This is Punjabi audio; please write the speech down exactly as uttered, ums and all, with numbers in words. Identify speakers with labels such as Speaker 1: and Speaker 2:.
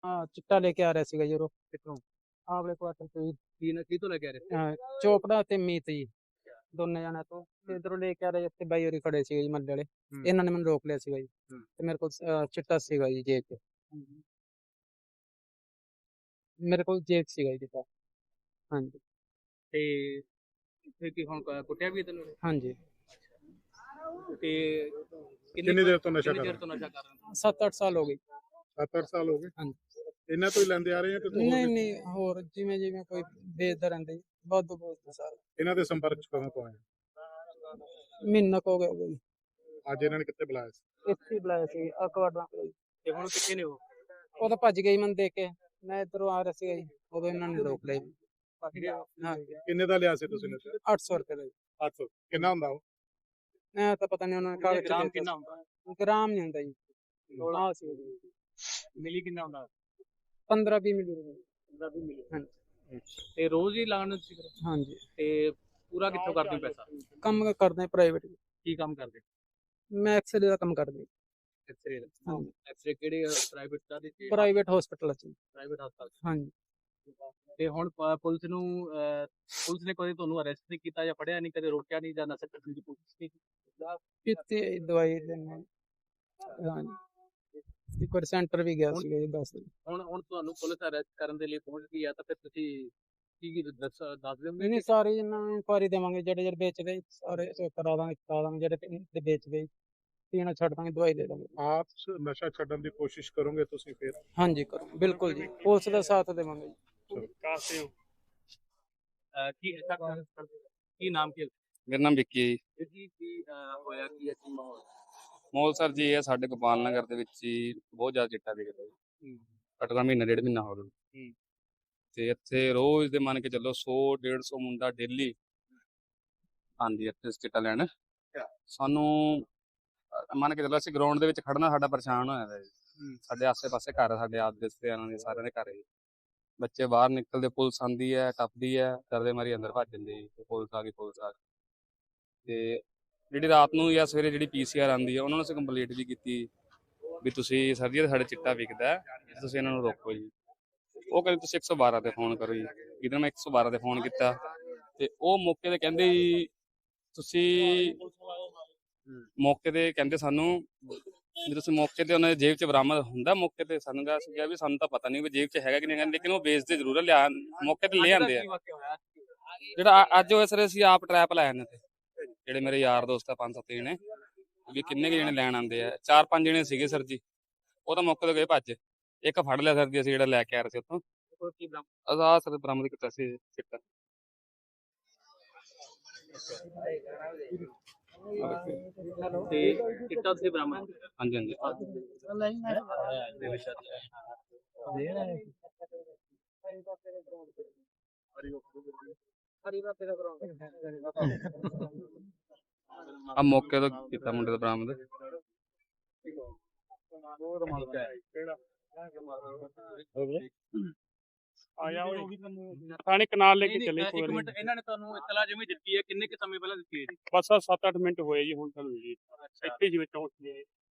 Speaker 1: ਹਾਂ ਚਿੱਟਾ ਲੈ ਕੇ ਆ ਰਿਹਾ ਸੀਗਾ ਜੀ ਉਹ
Speaker 2: ਕਿੱਥੋਂ?
Speaker 1: ਆਵਲੇ ਕੁਆਟਰ ਤੋਂ ਜੀ।
Speaker 2: ਕੀ ਨਾ ਕੀ ਤੋਂ ਲੈ ਕੇ ਆ ਰਹੇ ਸੀ?
Speaker 1: ਅਹ ਚੋਪੜਾ ਤੇ ਮੀਤ ਜੀ ਦੋਨੇ ਜਾਣਿਆਂ ਤੋਂ ਤੇ ਇਧਰੋਂ ਲੈ ਕੇ ਆ ਰਹੇ ਇੱਥੇ ਬਾਈ ਹੋਰੀ ਖੜੇ ਸੀਗੇ ਜੀ ਮੱਲੇ ਵਾਲੇ।
Speaker 2: ਹੂੰ।
Speaker 1: ਇਹਨਾਂ ਨੇ ਮੈਨੂੰ ਰੋਕ ਲਿਆ ਸੀਗਾ ਜੀ
Speaker 2: ਹੂੰ।
Speaker 1: ਤੇ ਮੇਰੇ ਕੋਲ ਅਹ, ਚਿੱਟਾ ਸੀਗਾ ਜੀ ਜੇਬ 'ਚ ਮੇਰੇ ਕੋਲ ਜੇਬ 'ਚ ਸੀਗਾ ਜੀ ਚਿੱਟਾ। ਹਾਂਜੀ
Speaker 2: ਤੇ ਫਿਰ ਕੀ ਹੁਣ ਕ- ਕੁੱਟਿਆ ਵੀ ਹੈ ਤੈਨੂੰ?
Speaker 1: ਹਾਂਜੀ
Speaker 2: ਤੇ
Speaker 3: ਕਿੰਨੀ ਦੇਰ ਤੋਂ ਨਸ਼ਾ
Speaker 2: ਕਿੰਨੀ
Speaker 3: ਕਰ
Speaker 2: ਦੇਰ
Speaker 3: ਰਹੇ
Speaker 2: ਤੋਂ ਨਸ਼ਾ ਕਰ ਰਹੇ ਹੋ?
Speaker 1: ਸੱਤ ਅੱਠ ਸਾਲ ਹੋ ਗਏ।
Speaker 3: ਸੱਤ ਅੱਠ ਸਾਲ ਹੋ ਗਏ
Speaker 1: ਹਾਂਜੀ
Speaker 3: ਇਹਨਾਂ ਤੋਂ ਹੀ ਲੈਂਦੇ ਆ ਰਹੇ ਆ ਕਿ ਤੂੰ ਹੋਰ
Speaker 1: ਨਹੀਂ
Speaker 3: ਵੀ-
Speaker 1: ਨਹੀਂ ਹੋਰ ਜਿਵੇਂ ਜਿਵੇਂ ਕੋਈ ਵੇਚਦਾ ਰਹਿੰਦਾ ਜੀ ਬਹੁਤ ਬਹੁਤ ਸਾਲ
Speaker 3: ਇਹਨਾਂ ਦੇ ਸੰਪਰਕ ਚ ਕਦੋਂ ਤੋਂ ਆਏ?
Speaker 1: ਮਹੀਨਾ ਕੁ ਹੋ ਗਿਆ ਹੋਊਗਾ ਜੀ।
Speaker 3: ਅੱਜ ਇਹਨਾਂ ਨੇ ਕਿੱਥੇ ਬੁਲਾਇਆ ਸੀ?
Speaker 1: ਇੱਥੇ ਹੀ ਬੁਲਾਇਆ ਸੀ ਅਕਵਾਡਾਂ
Speaker 2: ਤੇ ਹੁਣ ਕਿੱਥੇ ਨੇ ਉਹ?
Speaker 1: ਉਹ ਤਾਂ ਭੱਜ ਗਈ ਮੈਨੂੰ ਦੇਖ ਕੇ ਮੈਂ ਇੱਧਰੋਂ ਆ ਰਿਹਾ ਸੀਗਾ ਜੀ ਉਦੋਂ ਇਹਨਾਂ ਨੇ ਰੋਕ ਲਿਆ ਜੀ। ਹਾਂ
Speaker 3: ਕਿੰਨੇ ਦਾ ਲਿਆ ਸੀ ਤੁਸੀਂ ਨਸ਼ਾ?
Speaker 1: ਅੱਠ ਸੌ ਰੁਪਏ ਦਾ ਜੀ।
Speaker 3: ਅੱਠ ਸੌ ਕਿੰਨਾ ਹੁੰਦਾ ਉਹ?
Speaker 1: ਮੈਂ ਤਾਂ ਪਤਾ ਨਹੀਂ ਉਹਨਾਂ ਨੇ
Speaker 2: ਕਿੰਨੇ
Speaker 1: ਕਾਗਜ਼
Speaker 2: ਗ੍ਰਾਮ
Speaker 1: ਚ
Speaker 2: ਕਿੰਨਾ ਹੁੰਦਾ?
Speaker 1: ਗ੍ਰਾਮ ਨਹੀਂ ਹੁੰਦਾ ਜੀ ਆਹ ਸੀ
Speaker 2: ਮਿਲੀ ਕਿੰਨਾ ਹੁੰਦਾ?
Speaker 1: ਪੰਦਰਾਂ ਵੀਹ ਮਿਲੀ
Speaker 2: ਪੰਦਰਾਂ ਵੀਹ ਮਿਲੀ।
Speaker 1: ਹਾਂਜੀ
Speaker 2: ਤੇ ਰੋਜ਼ ਹੀ ਲਾਉਣ ਸੀ ਫਿਰ?
Speaker 1: ਹਾਂਜੀ
Speaker 2: ਤੇ ਪੂਰਾ ਕਿੱਥੋਂ ਕਰਦੇ ਹੋ ਪੈਸਾ?
Speaker 1: ਕੰਮ ਕਰਦੇ ਪ੍ਰਾਈਵੇਟ
Speaker 2: ਕੀ ਕੰਮ ਕਰਦੇ?
Speaker 1: ਮੈਂ ਐਕਸਰੇ ਦਾ ਕੰਮ ਕਰਦਾ
Speaker 2: ਐਕਸਰੇ ਦਾ।
Speaker 1: ਹਾਂਜੀ
Speaker 2: ਐਕਸਰੇ ਕਿਹੜੇ ਪ੍ਰਾਈਵੇਟ ਦਾ ਦੇ?
Speaker 1: ਪ੍ਰਾਈਵੇਟ ਹਸਪੀਟਲ ਚ
Speaker 2: ਪ੍ਰਾਈਵੇਟ ਹਸਪਤਾਲ।
Speaker 1: ਹਾਂਜੀ
Speaker 2: ਤੇ ਹੁਣ ਪ- ਪੁਲਿਸ ਨੂੰ ਅਹ, ਪੁਲਿਸ ਨੇ ਕਦੇ ਤੁਹਾਨੂੰ ਅਰੈਸਟ ਨਹੀਂ ਕੀਤਾ ਜਾਂ ਫੜਿਆ ਨਹੀਂ, ਕਦੇ ਰੋਕਿਆ ਨਹੀਂ ਜਾਂ ਨਸ਼ਾ ਕਰਨ ਦੀ ਕੋਸ਼ਿਸ਼ ਨਹੀਂ ਕੀਤੀ?
Speaker 1: ਕਿਤੇ ਦਵਾਈ ਲੈਣੇ ਹਾਂਜੀ ਇੱਕ ਵਾਰ ਸੈਂਟਰ ਵੀ ਗਿਆ ਸੀਗਾ ਜੀ ਦੱਸ ਦਿਨ
Speaker 2: ਹੁਣ ਹੁਣ ਤੁਹਾਨੂੰ ਪੁਲਿਸ ਅਰੈਸਟ ਕਰਨ ਦੇ ਲਈ ਪਹੁੰਚ ਗਈ ਆ ਤਾਂ ਫਿਰ ਤੁਸੀਂ ਕੀ ਕੀ ਦੱਸ ਦੱਸ ਦਿਓਗੇ?
Speaker 1: ਨਹੀਂ ਨਹੀਂ ਸਾਰੇ ਇਹਨਾਂ ਨੂੰ ਇਨਕੁਆਰੀ ਦੇਵਾਂਗੇ ਜਿਹੜੇ ਜਿਹੜੇ ਵੇਚਦੇ ਸਾਰੇ ਸ- ਕਰਾ ਦਾਂਗੇ ਕਰਾ ਦਾਂਗੇ ਜਿਹੜੇ ਤੇ- ਤੇ ਵੇਚਦੇ ਪੀਣਾ ਛੱਡ ਦਾਂਗੇ ਦਵਾਈ ਦੇ ਦਾਂਗੇ।
Speaker 3: ਆਪ ਸ- ਨਸ਼ਾ ਛੱਡਣ ਦੀ ਕੋਸ਼ਿਸ਼ ਕਰੋਗੇ ਤੁਸੀਂ ਫਿਰ?
Speaker 1: ਹਾਂਜੀ ਕਰੋ ਬਿਲਕੁਲ ਜੀ ਪੁਲਿਸ ਦਾ ਸਾਥ ਦੇਵਾਂਗੇ ਜੀ।
Speaker 2: ਕਾਸੇ ਹੋ ਅਹ, ਕੀ ਅੱਛਾ ਕਰ- ਕੀ ਨਾਮ ਕੀ ਹੈ?
Speaker 4: ਮੇਰਾ ਨਾਮ ਵਿੱਕੀ ਹੈ ਜੀ।
Speaker 2: ਵੀਰ ਜੀ ਕੀ ਅਹ, ਹੋਇਆ ਕੀ ਅੱਛੀ ਮਾਹੌਲ?
Speaker 4: ਮੌਲ ਸਰ ਜੀ ਇਹ ਸਾਡੇ ਗੋਪਾਲ ਨਗਰ ਦੇ ਵਿੱਚ ਹੀ ਬਹੁਤ ਜ਼ਿਆਦਾ ਚਿੱਟਾ ਵਿਕਦਾ ਜੀ। ਘੱਟੋ ਘੱਟ ਮਹੀਨਾ ਡੇਢ ਮਹੀਨਾ ਹੋ ਗਿਆ
Speaker 2: ਹੂੰ।
Speaker 4: ਤੇ ਇੱਥੇ ਰੋਜ਼ ਦੇ ਮੰਨ ਕੇ ਚੱਲੋ ਸੌ ਡੇਢ ਸੌ ਮੁੰਡਾ ਡੇਲੀ ਆਂਦੀ ਇੱਥੇ ਚਿੱਟਾ ਲੈਣ। ਸਾਨੂੰ ਅਹ, ਮੰਨ ਕੇ ਚੱਲੋ ਅਸੀਂ ਗਰਾਊਂਡ ਦੇ ਵਿੱਚ ਖੜਨਾ ਸਾਡਾ ਪਰੇਸ਼ਾਨ ਹੋਇਆ ਦਾ ਜੀ। ਸਾਡੇ ਆਸੇ ਪਾਸੇ ਘਰ ਆ, ਸਾਡੇ ਆਪ ਰਿਸ਼ਤੇਦਾਰਾਂ ਦੇ ਸਾਰਿਆਂ ਦੇ ਘਰ ਹੈ ਜੀ। ਬੱਚੇ ਬਾਹਰ ਨਿਕਲਦੇ ਪੁਲਿਸ ਆਂਦੀ ਹੈ ਟੱਪਦੀ ਹੈ ਡਰਦੇ ਮਾਰੀ ਅੰਦਰ ਭੱਜ ਜਾਂਦੇ ਜੀ। ਤੇ ਪੁਲਿਸ ਆ ਗਈ ਪੁਲਿਸ ਆ ਗਈ ਤੇ ਜਿਹੜੀ ਰਾਤ ਨੂੰ ਜਾਂ ਸਵੇਰੇ ਜਿਹੜੀ ਪੀਸੀਆਰ ਆਂਦੀ ਹੈ ਉਹਨਾਂ ਨੂੰ ਅਸੀਂ ਕੰਪਲੀਟ ਵੀ ਕੀਤੀ ਵੀ ਤੁਸੀਂ ਸਰ ਜੀ ਸਾਡੇ ਚਿੱਟਾ ਵਿਕਦਾ ਹੈ, ਤੁਸੀਂ ਇਹਨਾਂ ਨੂੰ ਰੋਕੋ ਜੀ। ਉਹ ਕਹਿੰਦੇ ਤੁਸੀਂ ਇੱਕ ਸੌ ਬਾਰਾਂ ਤੇ ਫੋਨ ਕਰੋ ਜੀ। ਇਹਦੇ ਮੈਂ ਇੱਕ ਸੌ ਬਾਰਾਂ ਤੇ ਫੋਨ ਕੀਤਾ ਤੇ ਉਹ ਮੌਕੇ ਤੇ ਕਹਿੰਦੇ ਜੀ ਤੁਸੀਂ ਮੌਕੇ ਤੇ ਕਹਿੰਦੇ ਸਾਨੂੰ ਵੀ ਤੁਸੀਂ ਮੌਕੇ ਤੇ ਉਹਨਾਂ ਦੇ ਜੇਬ 'ਚ ਬਰਾਮਦ ਹੁੰਦਾ ਮੌਕੇ ਤੇ। ਸਾਨੂੰ ਕਿਹਾ ਸੀ ਕਿਹਾ ਵੀ ਸਾਨੂੰ ਤਾਂ ਪਤਾ ਨਹੀਂ ਵੀ ਜੇਬ 'ਚ ਹੈਗਾ ਕਿ ਨਹੀਂ ਹੈਗਾ, ਲੇਕਿਨ ਉਹ ਵੇਚਦੇ ਜ਼ਰੂਰ ਆ, ਲਿਆ ਮੌਕੇ ਤੇ ਲੈ ਆਂਦੇ ਆ।
Speaker 2: ਕੀ ਵਾਕਿਆ ਹੋਇਆ?
Speaker 4: ਜਿਹੜਾ ਅ- ਅੱਜ ਹੋਇਆ ਸਰ ਅਸੀਂ ਆਪ ਟਰੈਪ ਲਾਇਆ ਨੇ ਤੇ ਜਿਹੜੇ ਮੇਰੇ ਯਾਰ ਦੋਸਤ ਆ ਪੰਜ ਸੱਤ ਜਣੇ ਵੀ ਕਿੰਨੇ ਕੁ ਜਣੇ ਲੈਣ ਆਉਂਦੇ ਆ। ਚਾਰ ਪੰਜ ਜਣੇ ਸੀਗੇ ਸਰ ਜੀ। ਉਹ ਤਾਂ ਮੌਕੇ ਤੇ ਗਏ ਭੱਜ। ਇੱਕ ਫੜ ਲਿਆ ਸਰ ਜੀ ਅਸੀਂ ਜਿਹੜਾ ਲੈ ਕੇ ਆ ਰਹੇ ਸੀ ਉੱਥੋਂ।
Speaker 2: ਹੋਰ ਕੀ ਬਰਾਮਦ?
Speaker 4: ਆਹ ਸਰ ਬਰਾਮਦ ਕੀਤਾ ਸੀ ਚਿੱਟਾ।
Speaker 2: ਤੇ ਚਿੱਟਾ ਤੁਸੀਂ ਬਰਾਮਦ ਕੀਤਾ?
Speaker 4: ਹਾਂਜੀ ਹਾਂਜੀ ਆ ਮੌਕੇ ਤੋਂ ਕੀਤਾ ਮੁੰਡੇ ਦਾ ਬਰਾਮਦ।
Speaker 3: ਆਇਆ ਥਾਣੇ ਕਨਾਲ ਲੈ ਕੇ
Speaker 2: ਨਹੀਂ,
Speaker 3: ਚੱਲੇ
Speaker 2: ਨਹੀਂ, ਇੱਕ ਮਿੰਟ ਇਹਨਾਂ ਨੇ ਤੁਹਾਨੂੰ ਇਤਲਾ ਜਿਵੇਂ ਦਿੱਤੀ ਹੈ ਕਿੰਨੇ ਕੁ ਸਮੇਂ ਪਹਿਲਾਂ ਦਿੱਤੀ ਹੈ ਜੀ?
Speaker 3: ਬਸ ਸੱਤ ਅੱਠ ਮਿੰਟ ਹੋਏ ਜੀ ਹੁਣ ਸਾਨੂੰ ਜੀ
Speaker 2: ਅੱਛਾ
Speaker 3: ਇੱਥੇ ਜਿਵੇਂ ਚੌਂਕ ਜੀ